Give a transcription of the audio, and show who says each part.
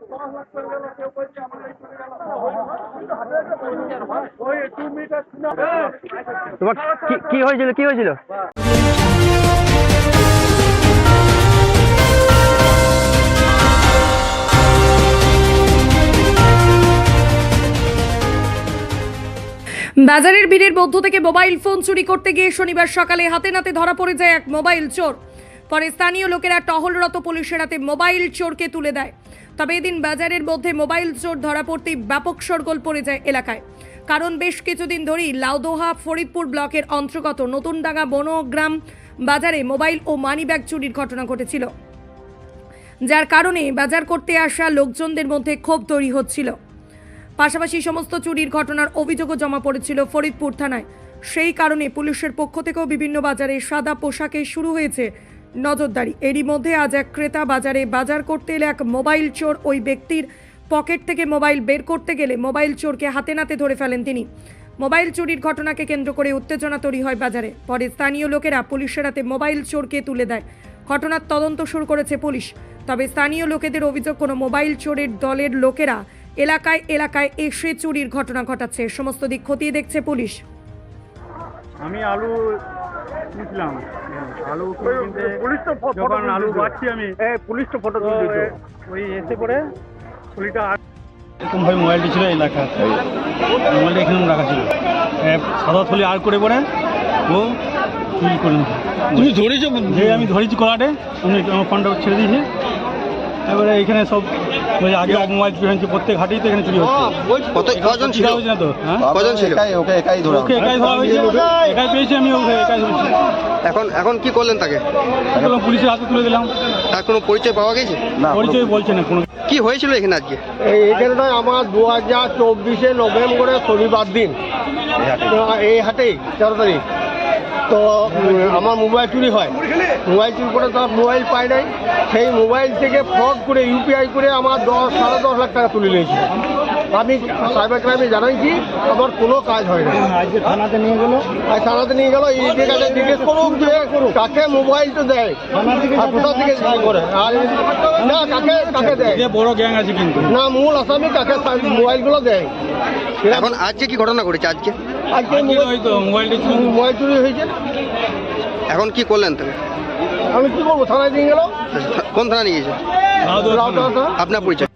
Speaker 1: তোমার কি হয়েছিল
Speaker 2: বাজারের ভিড়ের মধ্য থেকে মোবাইল ফোন চুরি করতে গিয়ে শনিবার সকালে হাতে নাতে ধরা পড়ে যায় এক মোবাইল চোর। পরে স্থানীয় লোকেরা টহলরত পুলিশের হাতে মোবাইল চোরকে তুলে দেয়। তবে এদিন বাজারের মধ্যে মোবাইল চোর ধরা পড়তেই ব্যাপক শোরগোল পড়ে যায় এলাকায়। কারণ বেশ কিছুদিন ধরেই লাউদোহা ফরিদপুর ব্লকের অন্তর্গত নতুনডাঙ্গা বনগ্রাম বাজারে মোবাইল ও মানিব্যাগ চুরির ঘটনা ঘটেছিল, যার কারণে বাজার করতে আসা লোকজনদের মধ্যে ক্ষোভ তৈরি হচ্ছিল। পাশাপাশি সমস্ত চুরির ঘটনার অভিযোগও জমা পড়েছিল ফরিদপুর থানায়। সেই কারণে পুলিশের পক্ষ থেকেও বিভিন্ন বাজারে সাদা পোশাকে শুরু হয়েছে নজরদারি। এরই মধ্যে আজ এক ক্রেতা বাজারে বাজার করতে এলে এক মোবাইল চোর ওই ব্যক্তির পকেট থেকে মোবাইল বের করতে গেলে মোবাইল চোরকে হাতে নাতে ধরে ফেলেন তিনি। মোবাইল চুরির ঘটনাকে কেন্দ্র করে উত্তেজনা তৈরি হয় বাজারে। পরে স্থানীয় লোকেরা পুলিশের হাতে মোবাইল চোরকে তুলে দেয়। ঘটনার তদন্ত শুরু করেছে পুলিশ। তবে স্থানীয় লোকেদের অভিযোগ, কোনো মোবাইল চোরের দলের লোকেরা এলাকায় এলাকায় এসে চুরির ঘটনা ঘটাচ্ছে। সমস্ত দিক খতিয়ে দেখছে পুলিশ।
Speaker 3: আমি আলু নিয়েছিলাম, আলু যখন আলু বাড়ছি আমি পুলিশ তো ফটো তুলছে, ওই এসে পরে পুলিশটা এরকম ভাবে মোবাইলটি ছিল এলাকা, মোবাইলটা এখানে রাখা ছিল, সাদা থলি আর করে পরে ও চুরি করে নিয়েছে। তুমি ধরেছো? যে আমি ধরেছি কলাটে, উনি আমার ফোনটা ছেড়ে দিয়েছে। এবারে এখানে সব আগে মোবাইল চুরি হয়েছে, প্রত্যেক হাটেই তো এখানে চুরি হচ্ছে। কজন ছিল? না তো, হ্যাঁ কজন ছিল? ওকে একাই ধরা হয়েছে, একাই পেয়েছি আমি, ওকে একাই ধরেছি।
Speaker 4: এখন কি করলেন তাকে?
Speaker 3: পুলিশের হাতে তুলে দিলাম।
Speaker 4: তার কোনো পরিচয় পাওয়া গেছে?
Speaker 3: পরিচয় বলছে না কোনো।
Speaker 4: কি হয়েছিল এখানে আজকে?
Speaker 5: এইখানে আমার 2024 নভেম্বরে শনিবার দিন এই হাটেই 13 তারিখ তো আমার মোবাইল চুরি হয়। মোবাইল চুরি করে তার মোবাইল পাই নাই, সেই মোবাইল থেকে ফ্রড করে ইউপিআই করে আমার 10-10.5 লাখ টাকা তুলে নিয়েছে। আমি সাইবার ক্রাইমে জানাইছি, আমার কোনো কাজ হয় না।
Speaker 3: আজকে থানাতে নিয়ে গেল,
Speaker 5: এই কাছে জিজ্ঞেস করুন যে কাকে মোবাইলটা দেয়, কোথা থেকে করে, আর না কাকে দেয়।
Speaker 3: বড় গ্যাং আছে কিন্তু
Speaker 5: না, মূল আসামি কাকে মোবাইলগুলো দেয়।
Speaker 4: এখন আজকে কি ঘটনা ঘটেছে? আজকে
Speaker 5: মোবাইল চুরি হয়েছে।
Speaker 4: এখন কি করলেন তাকে?
Speaker 5: আমি কি করবো, থানায় নিয়ে গেল।
Speaker 4: কোন থানা নিয়ে গেছে? আপনার পরিচয়?